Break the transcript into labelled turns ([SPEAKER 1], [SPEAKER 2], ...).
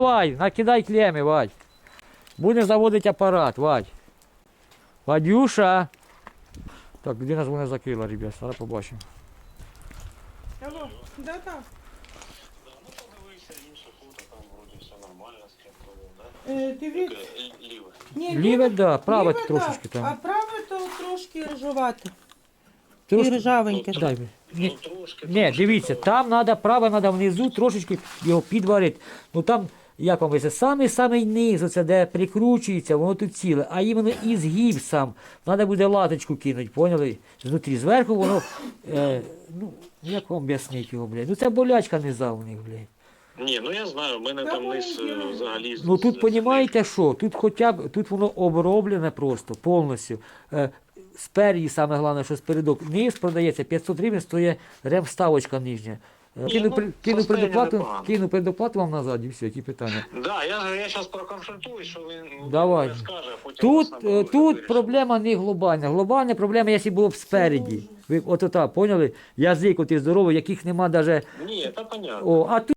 [SPEAKER 1] Давай, накидай клеми, Вадь. Будемо заводити апарат, Вадь. Вадюша. Так, людина мене закрила, ребят, зараз побачимо.
[SPEAKER 2] Алло, да.
[SPEAKER 3] Да, ну подивився інше фото, там вроді все нормально з кепкою, да?
[SPEAKER 2] Дивіться.
[SPEAKER 3] Ліве.
[SPEAKER 2] Ні,
[SPEAKER 1] Ліве, да, праве
[SPEAKER 2] ліве,
[SPEAKER 1] трошечки
[SPEAKER 2] да,
[SPEAKER 1] там.
[SPEAKER 2] а праве то трошки ржавате. І
[SPEAKER 1] Трошки-
[SPEAKER 2] ржавеньке.
[SPEAKER 1] Дай.
[SPEAKER 3] Ну
[SPEAKER 1] Ні,
[SPEAKER 3] трошки.
[SPEAKER 1] ні, дивіться, там треба, праве треба внизу трошечки його підварити. Ну там, як вам вийде, самий низ, оце, де прикручується, воно тут ціле, а іменно і згиб сам. Треба буде латочку кинути, поняли? Знутрі, зверху воно, ну, як вам об'яснити його, блядь? Ну це болячка низа у них, блядь.
[SPEAKER 3] Ні, ну я знаю, в мене там низ взагалі...
[SPEAKER 1] Ну тут розумієте що? Тут хоча б, тут воно оброблене просто, повністю. Спереді, саме головне, що спередок. Низ продається, 500 гривень стоїть ремставочка нижня. Кину предоплату вам назад і все, які питання.
[SPEAKER 3] Да, я зараз проконсультуюсь, що він
[SPEAKER 1] Давай.
[SPEAKER 3] не скаже, а потім вас наберу,
[SPEAKER 1] Тут
[SPEAKER 3] вирішимо.
[SPEAKER 1] проблема не глобальна. Глобальна проблема, якщо було б спереді. Ви от поняли? Язик, от і здоровий, яких нема навіть...
[SPEAKER 3] Ні, це понятно.
[SPEAKER 1] О, а тут